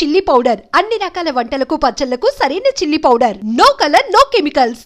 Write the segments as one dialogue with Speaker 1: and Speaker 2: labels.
Speaker 1: Chilli powder అన్ని రకాల వంటలకు పచ్చళ్లకు సరైన chilli powder. No colour, no chemicals.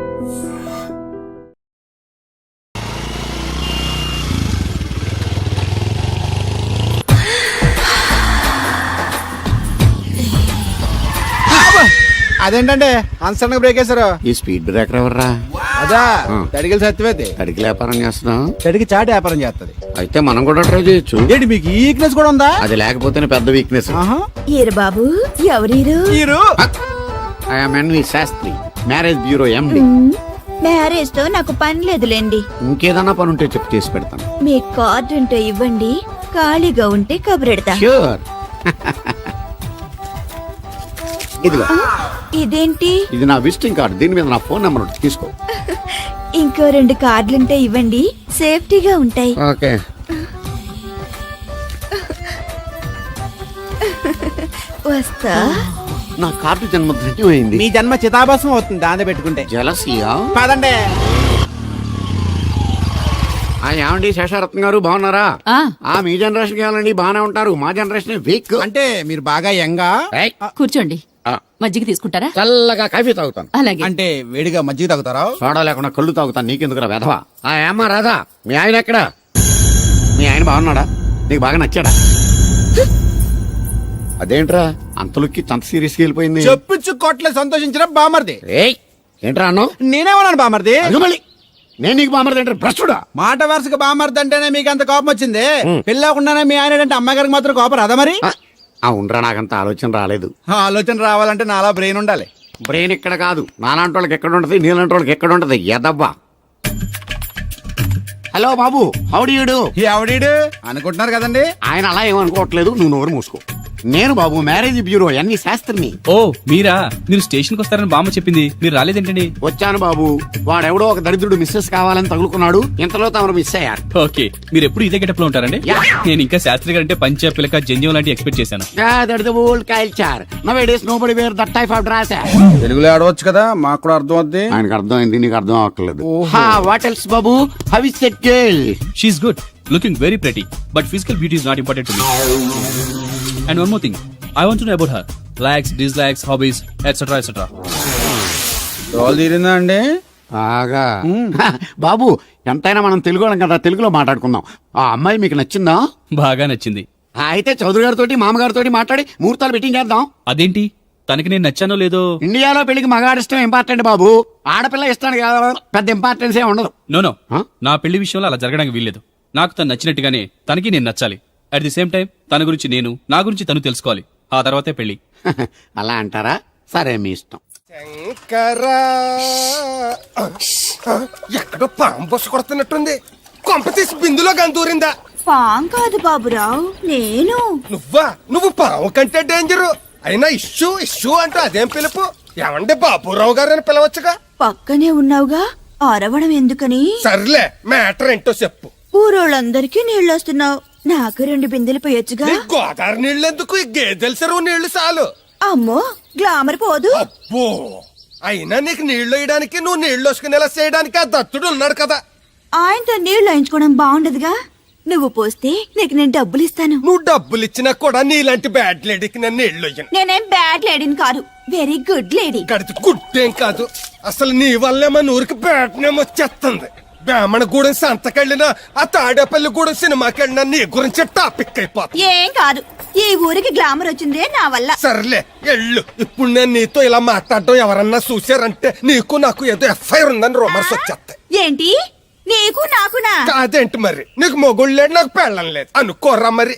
Speaker 2: అదేంటంటే అన్సడన్ బ్రేక్ వేశారు.
Speaker 3: ఈ స్పీడ్ బ్రేకర్ ఎవర్రా?
Speaker 2: అదా తడిగిల సత్యవేది.
Speaker 3: తడికి వ్యాపారం చేస్తున్నాం,
Speaker 2: తడికి చాటి వ్యాపారం చేస్తది.
Speaker 3: అయితే మనం కూడా ట్రై చేయొచ్చు.
Speaker 2: ఏంటి మీకు ఈ వీక్నెస్ కూడా ఉందా?
Speaker 3: అది లేకపోతేనే పెద్ద వీక్నెస్.
Speaker 4: ఈరు బాబు ఎవరీరు?
Speaker 3: I'm NV Sastry, marriage bureau MD.
Speaker 4: Marriage తో నాకు పని లేదులేండి.
Speaker 3: ఇంకేదన్నా పని ఉంటే చెప్పి చేసి పెడతాను.
Speaker 4: మీ కార్డు ఉంటే ఇవ్వండి, ఖాళీగా ఉంటే కబురెడతా.
Speaker 3: ష్యూర్. ఇదిగో,
Speaker 4: ఇదేంటి?
Speaker 3: ఇది నా విజిటింగ్ కార్డు. దీని మీద నా ఫోన్ నెంబర్ ఉంటుంది, తీసుకో.
Speaker 4: ఇంకో 2 కార్డులుంటే ఇవ్వండి, సేఫ్టీగా ఉంటాయి.
Speaker 3: ఓకే.
Speaker 4: వస్తా.
Speaker 3: నా కార్డు జన్మ ధన్యమైంది.
Speaker 2: మీ జన్మ చితాభాసం అవుతుంది దాంతో పెట్టుకుంటే.
Speaker 3: జలసియా?
Speaker 2: పదండి.
Speaker 3: ఏమండి శేషారత్న గారు, బాగున్నారా? మీ జనరేషన్ కావాలండి, బాగానే ఉంటారు. మా జనరేషన్ వీక్.
Speaker 2: అంటే మీరు బాగా యంగా.
Speaker 5: కూర్చోండి, మజ్జిగ తీసుకుంటారా?
Speaker 3: చల్లగా కాఫీ తాగుతాను.
Speaker 5: అలాగే.
Speaker 2: అంటే వేడిగా మజ్జిగ తాగుతారా?
Speaker 3: సోడా లేకుండా కళ్ళు తాగుతాను. నీకెందుకురా వెధవా? ఏమ్మా రాధా, మీ ఆయన ఎక్కడా? మీ ఆయన బాగున్నాడా? నీకు బాగా నచ్చాడా? అదేంట్రా అంతలోకి అంత సీరియస్గా వెళ్ళిపోయింది?
Speaker 2: చెప్పుచ్చు కొట్ల సంతోషించిన బామర్ది.
Speaker 3: ఏంట్రా అన్నావు?
Speaker 2: నేనేమన్నాను బామర్ది?
Speaker 3: మళ్ళీ నేను నీకు బామర్ది అంటే భ్రష్టుడా?
Speaker 2: మాట వరుసగా బామర్ది అంటేనే మీకు అంత కోపం వచ్చింది. పెళ్ళకుండానే మీ ఆయన అంటే అమ్మగారికి మాత్రం కోపం రాదా మరి?
Speaker 3: ఉండరా, నాకంత ఆలోచన రాలేదు.
Speaker 2: ఆలోచన రావాలంటే నాలా బ్రెయిన్ ఉండాలి.
Speaker 3: బ్రెయిన్ ఇక్కడ కాదు, నాలాంటి వాళ్ళకి ఎక్కడ ఉంటది, నీలాంటి వాళ్ళకి ఎక్కడ ఉంటది. ఎదవ్వా. హలో బాబు, హౌ డు యు డు?
Speaker 2: ఎవడీడు అనుకుంటున్నారు కదండి.
Speaker 3: ఆయన అలా ఏమనుకోవట్లేదు, నువ్వు నోరు మూసుకో. నేను బాబు మ్యారేజ్ బ్యూరో ఎన్వి శాస్త్రిని.
Speaker 6: ఓ మీరా? మీరు స్టేషన్ కి వస్తారని బామ్మ చెప్పింది, మీరు రాలేదేంటండి?
Speaker 3: వచ్చాను బాబు. వాడెవడో ఒక దరిద్రుడు మిస్సెస్ కావాలని తగులుకున్నాడు, ఇంతలో తమరు మిస్ అయ్యారు.
Speaker 6: ఓకే, మీరు ఎప్పుడు ఇదే గెటప్ లో ఉంటారండి? నేను ఇంకా శాస్త్రి గారు అంటే పంచ పిలక జంజం లాంటి ఎక్స్పెక్ట్ చేశాను.
Speaker 2: తెలుగులో ఆడవచ్చు కదా, మాకు కూడా అర్థం అవుద్ది.
Speaker 3: ఆయనకు అర్థం అయింది, నీకు అర్థం అవ్వట్లేదు. వాట్ ఎల్స్ బాబు? How is that girl?
Speaker 6: She is good, looking very pretty, but physical beauty is not important to me. And one more thing, I want to know about her likes, dislikes, hobbies, etc. etc.
Speaker 2: Role తీరిందా అండి?
Speaker 3: ఆగా బాబు, ఎంతైనా మనం తెలుగు వాళ్ళం కదా, తెలుగులో మాట్లాడుకుందాం. ఆ అమ్మాయి మీకు నచ్చిందా?
Speaker 6: బాగా నచ్చింది.
Speaker 3: అయితే చౌదరి గారితో మామగారితో మాట్లాడి ముహూర్తాలు పెట్టింగ్ చేద్దాం.
Speaker 6: అదేంటి, తనకి నేను నచ్చానో లేదో?
Speaker 3: ఇండియాలో పెళ్లికి మగాడి ఇష్టం ఇంపార్టెంట్ బాబు, ఆడపిల్ల ఇష్టానికి పెద్ద ఇంపార్టెన్స్ ఏ ఉండదు.
Speaker 6: నో నా పెళ్లి విషయంలో అలా జరగడానికి వీల్లేదు. నాకు తను నచ్చినట్టుగానే తనకి నేను నచ్చాలి. అట్ ది సేమ్ టైం తన గురించి నేను, నా గురించి తను తెలుసుకోవాలి. ఆ తర్వాతే పెళ్లి.
Speaker 3: అలా అంటారా? సరే, మీ ఇష్టం.
Speaker 7: ఎక్కడో పాము బొస్స కొడుతున్నట్టుంది. కొంప తీసి బిందులో గంతూరిందా?
Speaker 4: పాం కాదు బాబురావు, నేను.
Speaker 7: నువ్వు పాము కంటే డేంజరు. అయినా ఇష్యూ ఇష్యూ అంటూ అదేం పిలుపు? ఏమండి బాబురావు గారు అని పిలవచ్చుగా.
Speaker 4: పక్కనే ఉన్నావుగా, అరవడం ఎందుకని?
Speaker 7: సర్లే, మ్యాటర్ ఏంటో చెప్పు.
Speaker 4: ఊరోళ్ళందరికీ నీళ్ళు వస్తున్నావు, నాకు 2 బిందెలు పోయొచ్చుగా.
Speaker 7: గోదావరి నీళ్ళు ఎందుకు? ఈ గేదెల చెరువు నీళ్లు చాలు.
Speaker 4: అమ్మో, గ్లామర్ పోదు.
Speaker 7: అబ్బో, అయినా నీకు నీళ్లు వేయడానికి, నువ్వు నీళ్లు వసుకునేలా చేయడానికి ఆ దత్తుడు ఉన్నాడు కదా.
Speaker 4: ఆయనతో నీళ్లు వేయించుకోవడం బాగుండదుగా. నువ్వు పోస్తే నీకు నేను డబ్బులు ఇస్తాను.
Speaker 7: నువ్వు డబ్బులు ఇచ్చినా కూడా నీలాంటి బ్యాడ్ లేడీకి నేను నీళ్లు వేయను.
Speaker 4: నేనేం బ్యాడ్ లేడీని కాదు, వెరీ గుడ్ లేడీ.
Speaker 7: గడిచి గుడ్డేం కాదు. అసలు నీ వల్లే మన ఊరికి బ్యాడ్ నేమ్ వచ్చేస్తుంది. బ్రాహ్మణగూడెం సంతకెళ్ళినా, ఆ తాడేపల్లిగూడెం సినిమాకెళ్ళినా నీ గురించి టాపిక్ అయిపోతుంది.
Speaker 4: ఏం కాదు, ఈ ఊరికి గ్లామర్ వచ్చిందే నా వల్ల.
Speaker 7: సర్లే ఎళ్ళు. ఇప్పుడు నేను నీతో ఇలా మాట్లాడడం ఎవరన్నా చూసారంటే నీకు నాకు ఏదో ఎఫ్ఐఆర్ ఉందని రూమర్స్ వచ్చేస్తాయి.
Speaker 4: ఏంటి, నీకు నాకునా?
Speaker 7: కాదేంటి మరి? నీకు మొగుడు లేడు, నాకు పెళ్ళం లేదు అనుకోరా మరి.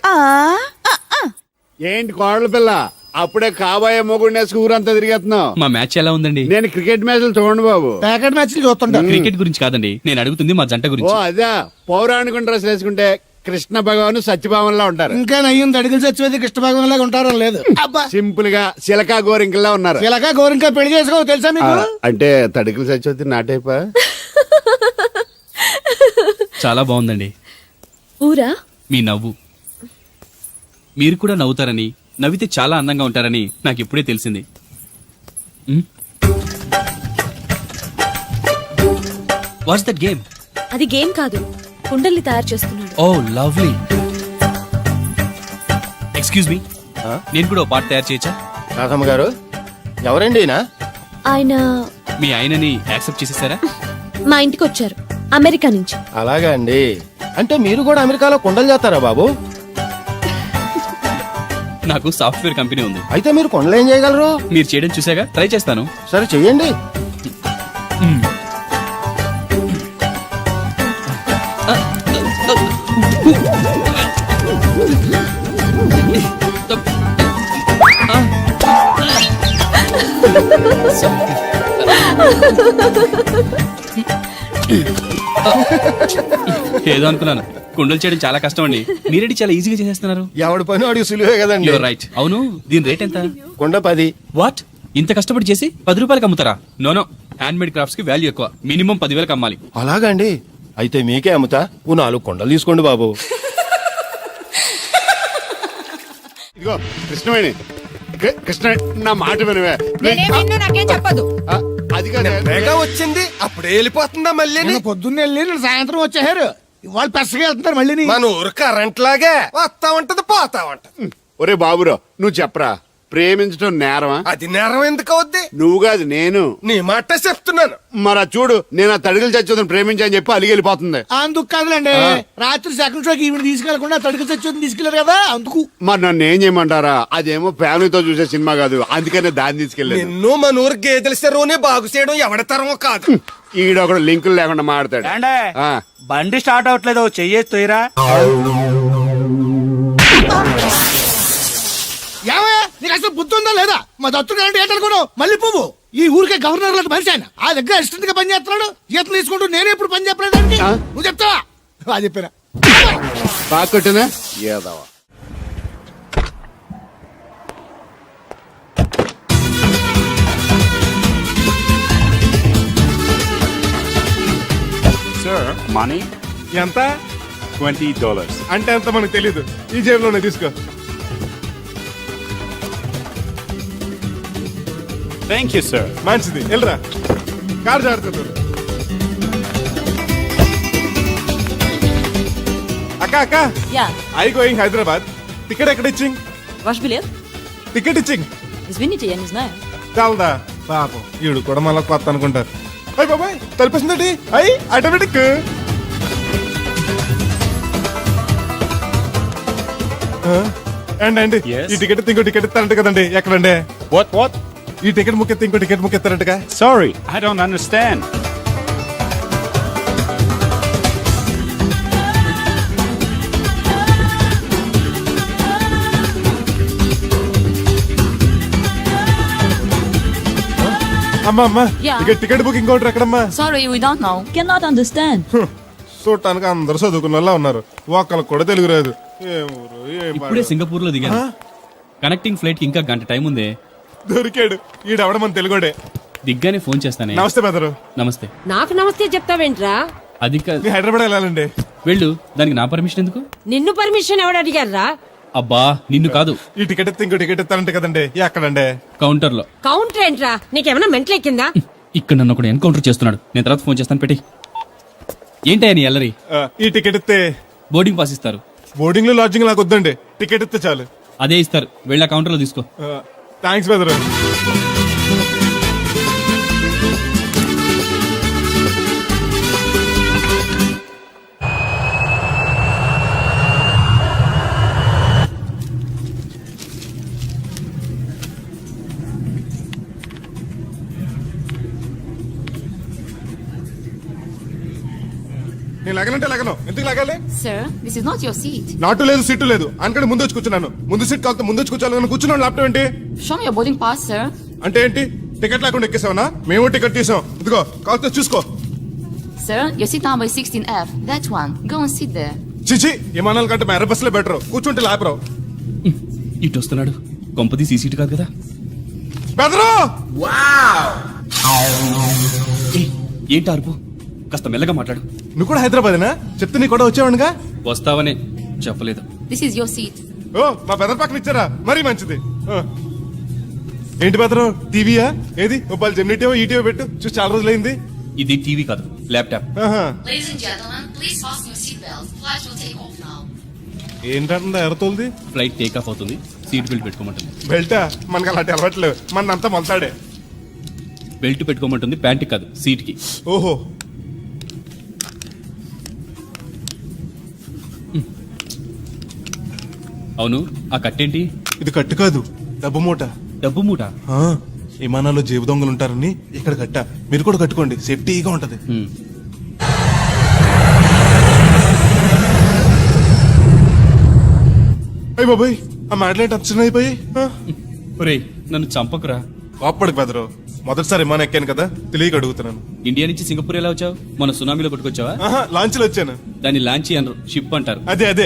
Speaker 3: ఏంటి కోడల పిల్ల, అప్పుడే కాబోయే మొగుడినే ఊరంతా తిరిగేస్తున్నావు?
Speaker 6: మా మ్యాచ్ ఎలా ఉందండి?
Speaker 3: నేను క్రికెట్ మ్యాచ్లు చూడండి బాబు.
Speaker 2: ప్యాకెట్ మ్యాచ్లు చూస్తుంటా.
Speaker 6: క్రికెట్ గురించి కాదండి నేను అడుగుతుంది, మా జంట
Speaker 3: ఓ
Speaker 6: గురించి.
Speaker 3: అదే, పౌరాణిక డ్రెస్ వేసుకుంటే కృష్ణ భగవాన్ సత్యభామన్లా ఉంటారు.
Speaker 2: ఇంకా నయ్యం తడిగిలి చచ్చిపోతే కృష్ణ భగవాన్ లాగా ఉంటారో లేదు.
Speaker 3: సింపుల్ గా చిలకా గోరింకల్లా ఉన్నారు.
Speaker 2: ఇలాగా గోరింకా పెళ్లి చేసుకో తెలుసా మీకు?
Speaker 3: అంటే తడికలు చచ్చిపోతే నాటైపా.
Speaker 6: చాలా బాగుందండి.
Speaker 5: ఊరా?
Speaker 6: మీ నవ్వు. మీరు కూడా నవ్వుతారని, నవ్వితే చాలా అందంగా ఉంటారని నాకు ఇప్పుడే తెలిసింది. What's that game?
Speaker 5: అది గేమ్ కాదు, కుండల్ని తయారు చేస్తున్నాడు.
Speaker 6: Oh lovely. ఎక్స్క్యూజ్ మీ, నేను కూడా ఓ పాట తయారు చేయొచ్చా?
Speaker 7: రాధమ్మ గారు ఎవరండి ఈయన?
Speaker 5: ఆయన
Speaker 6: మీ ఆయనని యాక్సెప్ట్ చేసేసారా?
Speaker 5: మా ఇంటికి వచ్చారు అమెరికా నుంచి.
Speaker 7: అలాగా అండి. అంటే మీరు కూడా అమెరికాలో కొండలు చేస్తారా బాబు?
Speaker 6: నాకు సాఫ్ట్వేర్ కంపెనీ ఉంది.
Speaker 7: అయితే మీరు కొండలు ఏం చేయగలరు?
Speaker 6: మీరు చేయడం చూసాగా, ట్రై చేస్తాను.
Speaker 7: సరే చెయ్యండి.
Speaker 6: ఏదో అనుకున్నాను. కుండలు చేయడం చాలా కష్టం అండి, మీరేంటి చాలా ఈజీగా చేసేస్తున్నారు.
Speaker 7: ఎవడి పని వాడికి సులువే కదండి.
Speaker 6: You're right. అవును, దీని రేట్ ఎంత?
Speaker 7: కొండ 10.
Speaker 6: వాట్, ఇంత కష్టపడి చేసి 10 రూపాయలకి అమ్ముతారా? నో, హ్యాండ్ మేడ్ క్రాఫ్ట్స్ కి వాల్యూ ఎక్కువ. మినిమం 10,000కి అమ్మాలి.
Speaker 7: అలాగా అండి. అయితే మీకే అమ్ముతా. ఓ 4 కొండలు తీసుకోండి బాబు.
Speaker 3: ఇదిగో కృష్ణవేణి, కృష్ణ నా మాట వినవే.
Speaker 8: నాకేం చెప్పదు.
Speaker 3: ఆ, అది కాదు.
Speaker 7: వేగా వచ్చింది అప్పుడే వెళ్ళిపోతుందా మళ్ళీ?
Speaker 2: నిన్న పొద్దున్నే వెళ్ళి నిన్న సాయంత్రం వచ్చేసారు. ఇవాళ పెసగా వెళ్తున్నారు మళ్ళీ.
Speaker 7: మన ఊరు కరెంట్ లాగే వస్తా ఉంటది పోతా ఉంటది.
Speaker 3: ఒరే బాబురా, నువ్వు చెప్పరా, ప్రేమించడం నేరమా?
Speaker 7: అది నేరం ఎందుకు అవుద్ది?
Speaker 3: నువ్వు కాదు నేను.
Speaker 7: నీ మాట చెప్తున్నాను.
Speaker 3: మరి చూడు, నేను ఆ తడికలు చచ్చోదని ప్రేమించని చెప్పి అలిగి వెళ్ళిపోతుంది.
Speaker 2: అందుకు కాదులేండి, రాత్రి సెకండ్ షోకి ఈవిడ తీసుకెళ్లకుండా తడికి చచ్చి తీసుకెళ్లారు కదా అందుకు.
Speaker 3: మరి నన్ను ఏం చేయమంటారా? అదేమో ఫ్యామిలీతో చూసే సినిమా కాదు, అందుకనే దాన్ని తీసుకెళ్ళలేదు.
Speaker 7: నిన్ను మన ఊరు గేదెల చెరువుని బాగు చేయడం ఎవరి తరమో కాదు.
Speaker 3: ఈడొకడు లింకులు లేకుండా మాడతాడు. ఆ.
Speaker 9: బండి స్టార్ట్ అవట్లేదు, చెయ్యేసి తోయరా.
Speaker 2: ఏమయ్యా నీకు అసలు బుద్ధి ఉందా లేదా? మా దత్తుడు అంటే ఏంటనుకున్నావు? మళ్ళీ పువ్వు ఈ ఊరికే గవర్నర్ లాంటి మనిషి ఆయన. ఆ దగ్గర అసిస్టెంట్ గా పని చేస్తున్నాడు. ఈతలు తీసుకుంటూ నేను ఎప్పుడు పని చెప్పలేదండి. నువ్వు చెప్తావా? అది చెప్పారా?
Speaker 3: బాగా కొట్టినా ఏదవా.
Speaker 10: సార్ మనీ
Speaker 7: ఎంత?
Speaker 10: $20.
Speaker 7: అంటే ఎంత మనకు తెలీదు. ఈ జేబులోనే తీసుకో.
Speaker 10: Thank you sir.
Speaker 7: మంచిది, వెళ్ళరా. కారు జాగ్రత్త. అక్క
Speaker 5: yeah
Speaker 7: I going Hyderabad. Ticket ఎక్కడ ఇచ్చింగ్?
Speaker 5: వాష్ బిలియర్
Speaker 7: టికెట్ ఇచ్చింగ్
Speaker 5: ఇస్వినిటీ అని ఇస్నా
Speaker 7: చాలదా? పాపం ఈడు కూడా మళ్ళీ కొత్త అనుకుంటారు. అయ్యి బాబాయ్ తలిపేసిందండి. అయ్యి ఆటోమేటిక్. అండి
Speaker 10: Yes.
Speaker 7: ఈ టికెట్ ఇంకో టికెట్ ఇస్తారంట కదండి. ఎక్కడండి?
Speaker 10: What?
Speaker 7: ఈ టికెట్ ముఖ్యత ఇంకో టికెట్ ముఖ్యస్తారంటగా.
Speaker 10: Sorry, I don't understand.
Speaker 7: అమ్మా
Speaker 5: Yeah.
Speaker 7: ఇక టికెట్ బుకింగ్ కౌంటర్ ఎక్కడమ్మా?
Speaker 5: Sorry we don't know can not understand.
Speaker 7: చూడటానికి అందరు చదువుకున్న వాళ్ళ ఉన్నారు. ఒక్కళ్ళకి కూడా తెలుగు రాదు. ఏ ఊరు, ఏ
Speaker 6: ఇప్పుడే
Speaker 7: పాడు.
Speaker 6: సింగపూర్ లో దిగాను. కనెక్టింగ్ ఫ్లైట్ కి ఇంకా గంట టైం ఉంది.
Speaker 7: దొరికాడు. ఈడవడ మన తెలుగుడే.
Speaker 6: దిగ్గానే ఫోన్ చేస్తానే.
Speaker 7: నమస్తే బెదరు.
Speaker 6: నమస్తే.
Speaker 8: నాకు నమస్తే చెప్తావేంట్రా?
Speaker 6: అది
Speaker 7: మీ హైదరాబాద్ వెళ్ళాలండి.
Speaker 6: వెళ్ళు, దానికి నా పర్మిషన్ ఎందుకు?
Speaker 8: నిన్ను పర్మిషన్ ఎవడు అడిగారా?
Speaker 6: అబ్బా నిన్ను కాదు,
Speaker 7: ఈ టికెట్ ఇస్తే ఇంకో టికెట్ ఇస్తారంట కదండి. ఎక్కడండి?
Speaker 6: కౌంటర్ లో.
Speaker 8: కౌంటర్ ఏంట్రా? నీకేమైనా మెంటల్ ఎక్కిందా?
Speaker 6: ఇక్కడ నన్ను ఒకడు ఎన్కౌంటర్ చేస్తున్నాడు. నేను తర్వాత ఫోన్ చేస్తాను, పెట్టి. ఏంటయ్యా నీ అల్లరి?
Speaker 7: ఈ టికెట్ ఇస్తే
Speaker 6: బోర్డింగ్ పాస్ ఇస్తారు.
Speaker 7: బోర్డింగ్ లో లాడ్జింగ్ నాకు వద్దండి. టికెట్ ఇస్తే చాలు.
Speaker 6: అదే ఇస్తారు, వెళ్ళి ఆ కౌంటర్ లో తీసుకో.
Speaker 7: థ్యాంక్స్ బెదరు. నేను లగనంటే లగను. ఎందుకు లగాలి?
Speaker 5: Sir this is not your seat.
Speaker 7: నాటు లేదు, సీటు లేదు. అనుకంటే ముందు వచ్చి కూర్చున్నాను. ముందు సీట్ కాదు, ముందు వచ్చి కూర్చోాలని కూర్చున్నాను. ల్యాప్టాప్ ఏంటి?
Speaker 5: Show me your boarding pass sir.
Speaker 7: అంటే ఏంటి? టికెట్ లేకుండా ఎక్కేసావనా? మేము టికెట్ తీసాం. ఇదిగో కాస్త చూసుకో.
Speaker 5: Sir, your seat number is 16F. That one. Go and sit there.
Speaker 7: చిచి, విమానాల కంటే మా ఎర్ర బస్సులో బెటర్. కూర్చుంటే లాపరావు.
Speaker 6: ఇటు వస్తున్నాడు. కొంపది సీసీటీ కాదు కదా.
Speaker 7: బెదరు.
Speaker 6: ఏయ్, ఏంటి అరుపు? కాస్త మెల్లగా మాట్లాడు.
Speaker 7: నువ్వు కూడా హైదరాబాదేనా? చెప్తే నీ కూడా వచ్చేవాడుగా.
Speaker 6: వస్తావనే చెప్పలేదు.
Speaker 5: This is your seat.
Speaker 7: ఓ, మా బెదర్ పక్కన ఇచ్చారా? మరీ మంచిది. ఏంటి బెదరు, టీవీయా? ఏది మొబైల్ జెమినిటీవో ఈటీవో పెట్టు. చూసి చాలా రోజులైంది.
Speaker 6: ఇది టీవీ కాదు, laptop.
Speaker 5: Ladies and gentlemen, please fasten your seatbelts. Flight will take off now.
Speaker 7: ఏంటంటుందా ఎర్రతోల్ది?
Speaker 6: ఫ్లైట్ టేక్ ఆఫ్ అవుతుంది. సీట్ బెల్ట్ పెట్టుకోమంటుంది.
Speaker 7: బెల్టా మనకి అలాంటి అలవాట్లేవు, మనంతా మొలతాడే.
Speaker 6: బెల్ట్ పెట్టుకోమంటుంది, ప్యాంట్ కాదు సీట్ కి.
Speaker 7: ఓహో,
Speaker 6: అవును, ఆ కట్టేంటి?
Speaker 7: ఇది కట్టు కాదు, డబ్బు మూట.
Speaker 6: డబ్బు మూట.
Speaker 7: ఆ, విమానాల్లో జేబు దొంగలు ఉంటారని ఇక్కడ కట్ట. మీరు కూడా కట్టుకోండి, సేఫ్టీగా ఉంటది. అయ్య బాబాయ్, ఆ మాటలేంటి అప్సన్ అయిపోయి.
Speaker 6: ఒరేయ్, నన్ను చంపకురా.
Speaker 7: కోప్పడికి బెదరు, మొదటిసారి విమానం ఎక్కాను కదా, తెలియక అడుగుతున్నాను.
Speaker 6: ఇండియా నుంచి సింగపూర్ ఎలా వచ్చావు? మన సునామీలో కొట్టుకొచ్చావా?
Speaker 7: ఆహా, లాంచ్లో వచ్చాను.
Speaker 6: దాన్ని లాంచీ అనరు, షిప్ అంటారు.
Speaker 7: అదే అదే.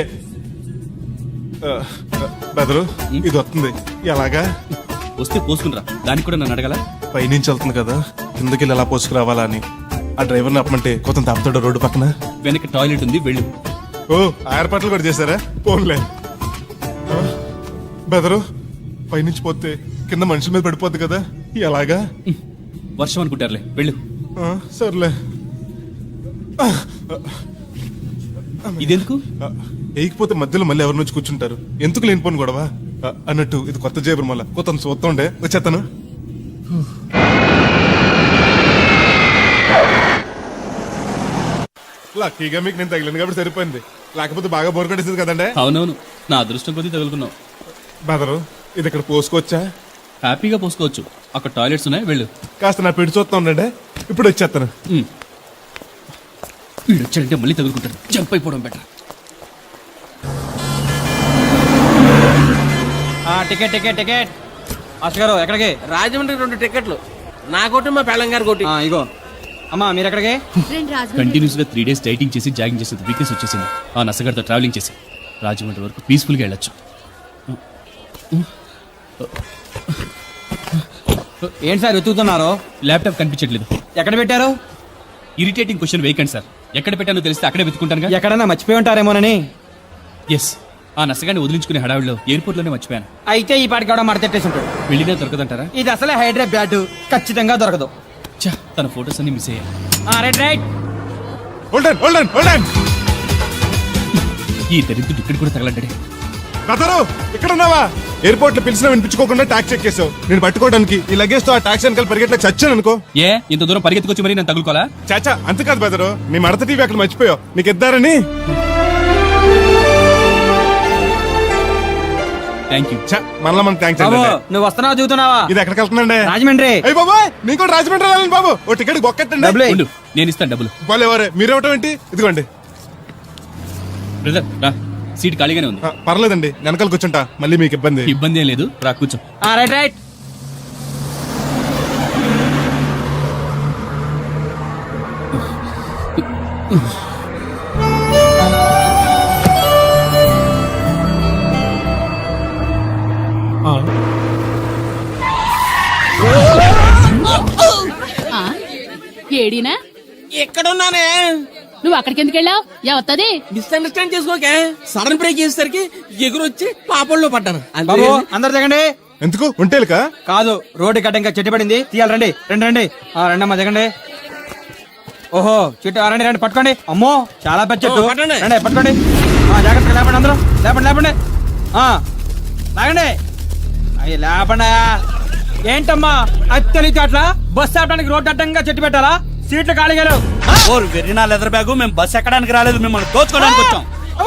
Speaker 7: బెదరు, ఇది వస్తుంది ఎలాగా?
Speaker 6: వస్తే పోసుకునిరా. దానికి కూడా నన్ను అడగల?
Speaker 7: పైనుంచి వెళ్తుంది కదా, కిందకి ఎలా పోసుకురావాలా అని. ఆ డ్రైవర్ని ఆపమంటే కొంత తాపుతాడు రోడ్డు పక్కన.
Speaker 6: వెనక టాయిలెట్ ఉంది, వెళ్ళు.
Speaker 7: ఓ, ఆ ఏర్పాట్లు కూడా చేశారా? పోన్లే. బెదరు, పైనుంచి పోతే కింద మనుషుల మీద పడిపోద్ది కదా, ఎలాగా?
Speaker 6: వర్షం అనుకుంటారులే, వెళ్ళు.
Speaker 7: సర్లే.
Speaker 6: ఇదెందుకు?
Speaker 7: వేయకపోతే మధ్యలో మళ్ళీ ఎవరి నుంచి కూర్చుంటారు, ఎందుకు లేనిపోను గొడవ. అన్నట్టు ఇది కొత్త జేబురు, మళ్ళా కొత్త చూస్తుండే వచ్చేస్తాను. లక్కీగా మీకు నేను తగిలింది కాబట్టి సరిపోయింది, లేకపోతే బాగా బోర్ కట్టేసింది కదండి.
Speaker 6: అవునవును, నా అదృష్టం కొద్దీ తగులుకున్నావు.
Speaker 7: బెదరు, ఇది ఇక్కడ పోసుకోవచ్చా?
Speaker 6: హ్యాపీగా పోసుకోవచ్చు, అక్కడ టాయిలెట్స్ ఉన్నాయి, వెళ్ళు.
Speaker 7: కాస్త నా పెట్టి చూస్తా ఉండండి, ఇప్పుడు వచ్చేస్తాను.
Speaker 6: వీడు వచ్చాడంటే మళ్ళీ తగులుకుంటాడు, జంప్ అయిపోవడం better.
Speaker 9: Ticket ticket ticket. Master గారు ఎక్కడికి? రాజమండ్రి 2 టికెట్లు, నా కోటి మా పెళ్ళం గారి కోటి. ఇగో అమ్మా, మీరు ఎక్కడికి?
Speaker 6: కంటిన్యూస్ గా 3 days డైటింగ్ చేసి జాగింగ్ చేసి వీక్నెస్ వచ్చేసింది. ఆ నసగారితో ట్రావెలింగ్ చేసి రాజమండ్రి వరకు పీస్ఫుల్ గా వెళ్ళొచ్చు.
Speaker 9: ఏంటి సార్ వెతుకుతున్నారు?
Speaker 6: ల్యాప్టాప్ కనిపించట్లేదు.
Speaker 9: ఎక్కడ పెట్టారు?
Speaker 6: ఇరిటేటింగ్ క్వశ్చన్ వేయకండి సార్. ఎక్కడ పెట్టానో తెలిస్తే అక్కడే వెతుకుంటాను.
Speaker 9: ఎక్కడన్నా మర్చిపోయి ఉంటారేమోనని.
Speaker 6: ఎస్, ఆ నసగాన్ని వదిలించుకునే హడావిడిలో ఎయిర్పోర్ట్ లోనే మర్చిపోయాను.
Speaker 9: అయితే ఈ పాటికి కూడా మడతెట్టేసి ఉంటాడు.
Speaker 6: వెళ్ళినా దొరకదంటారా?
Speaker 9: ఇది అసలే హైదరాబాద్, ఖచ్చితంగా దొరకదు.
Speaker 6: ఛా, తన ఫోటోస్ అన్ని మిస్ అయ్యాయి.
Speaker 9: Right right.
Speaker 7: Hold on hold on hold on.
Speaker 6: ఈ దరిద్రుడు ఇక్కడ కూడా తగలంటాడే.
Speaker 7: బెదరు, ఇక్కడ ఉన్నావా? ఎయిర్పోర్ట్ లో పిలిచినా వినిపించుకోకుండా ట్యాక్సీ ఎక్కేసావు. నేను పట్టుకోవడానికి ఈ లగేజ్ తో ఆ ట్యాక్సీ వెనకాల పరిగెట్లకు చచ్చాను అనుకో.
Speaker 6: ఏ, ఇంత దూరం పరిగెత్తుకొచ్చి మరి నేను తగులుకోవాలా?
Speaker 7: చాచా, అంతకాదు బెదరు, నీ మడత టీవీ అక్కడ మర్చిపోయావు, నీకు ఇద్దారని.
Speaker 6: Thank you.
Speaker 7: మళ్ళా మనకు థ్యాంక్స్.
Speaker 9: నువ్వు వస్తున్నావా చూస్తున్నావా?
Speaker 7: ఇది ఎక్కడికి వెళ్తుందండి?
Speaker 9: రాజమండ్రి.
Speaker 7: అయ్యి బాబా, నీకు కూడా రాజమండ్రి వెళ్ళాలి బాబు. ఓ టికెట్ బొక్కెట్టండి.
Speaker 6: ఉండు, నేను ఇస్తాను డబ్బులు.
Speaker 7: బాలేవారే, మీరేవటం ఏంటి? ఇదిగోండి.
Speaker 6: బ్రదర్ రా, సీట్ ఖాళీగానే ఉంది.
Speaker 7: పర్లేదండి, వెనకాల కూర్చుంటా, మళ్ళీ మీకు ఇబ్బంది.
Speaker 6: ఇబ్బంది ఏం లేదు, రా కూర్చో.
Speaker 9: Right right.
Speaker 5: ఏడీనా?
Speaker 9: ఎక్కడున్నానే?
Speaker 5: నువ్వు అక్కడికి ఎందుకు వెళ్ళావు? ఎవత్తది?
Speaker 9: మిస్అండర్స్టాండ్ చేసుకోకే. సడన్ బ్రేక్ చేసేసరికి ఎగురొచ్చి పాపంలో పడ్డాను. బాబు అందరు దిగండి.
Speaker 7: ఎందుకు ఒంటేలుకా?
Speaker 9: కాదు, రోడ్డు గడ్డ ఇంకా చెట్టు పడింది, తీయాలి. రండి రండి రండి. రండమ్మా దిగండి. ఓహో, చెట్టు రండి రండి, పట్టుకోండి. అమ్మో, చాలా పెద్ద చెట్టు. రండి పట్టుకోండి. జాగ్రత్తగా లేపండి, అందరూ లేపండి లేపండి. లాగండి. అయ్యి లేపండి. ఏంటమ్మా అది తెలియదు అట్లా? బస్సు ఆపడానికి రోడ్డు అడ్డంగా చెట్టు పెట్టాలా? సీట్లు ఖాళీగా లేవు. వెర్రినా లెదర్ బ్యాగు, మేము బస్సు ఎక్కడానికి రాలేదు, మిమ్మల్ని దోచుకోవడానికి వచ్చాం.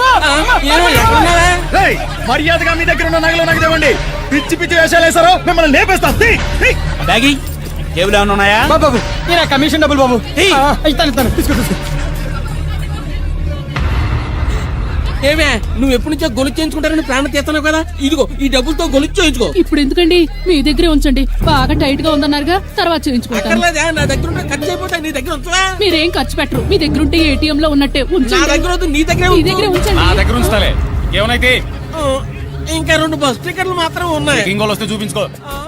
Speaker 2: మర్యాదగా మీ దగ్గర ఉన్న నగలు నాకు ఇవ్వండి. పిచ్చి పిచ్చి వేషాలు వేసారో మిమ్మల్ని లేపేస్తా.
Speaker 9: బ్యాగి టేబుల్ ఏమైనా ఉన్నాయా? బాబు కమిషన్ డబ్బులు బాబు. ఇస్తాను తీసుకో. ఏమే, నువ్వు ఎప్పటి నుంచో గొలుసు చేయించుకుంటారని ప్రాణం తీస్తున్నావు కదా, ఇదిగో ఈ డబ్బులతో గొలుసు చేయించుకో.
Speaker 5: ఇప్పుడు ఎందుకండి, మీ దగ్గరే ఉంచండి. బాగా టైట్ గా ఉందన్నారుగా, తర్వాత చేయించుకుంటాను.
Speaker 9: నా దగ్గర ఉంటే ఖర్చు అయిపోతాయి, నీ దగ్గర ఉంచవా?
Speaker 5: మీరేం ఖర్చు పెట్టరు, మీ దగ్గర ఉంటే ఏటీఎం లో ఉన్నట్టే
Speaker 9: నా
Speaker 5: ఉంచండి.
Speaker 9: దగ్గర వద్దు, నీ దగ్గర
Speaker 5: ఉంచండి.
Speaker 9: నా దగ్గర ఉంచుతాలే. ఏమైతే ఇంకా 2 బస్ టికెట్లు మాత్రం ఉన్నాయి. ఇంకోళ్ళు వస్తే చూపించుకో.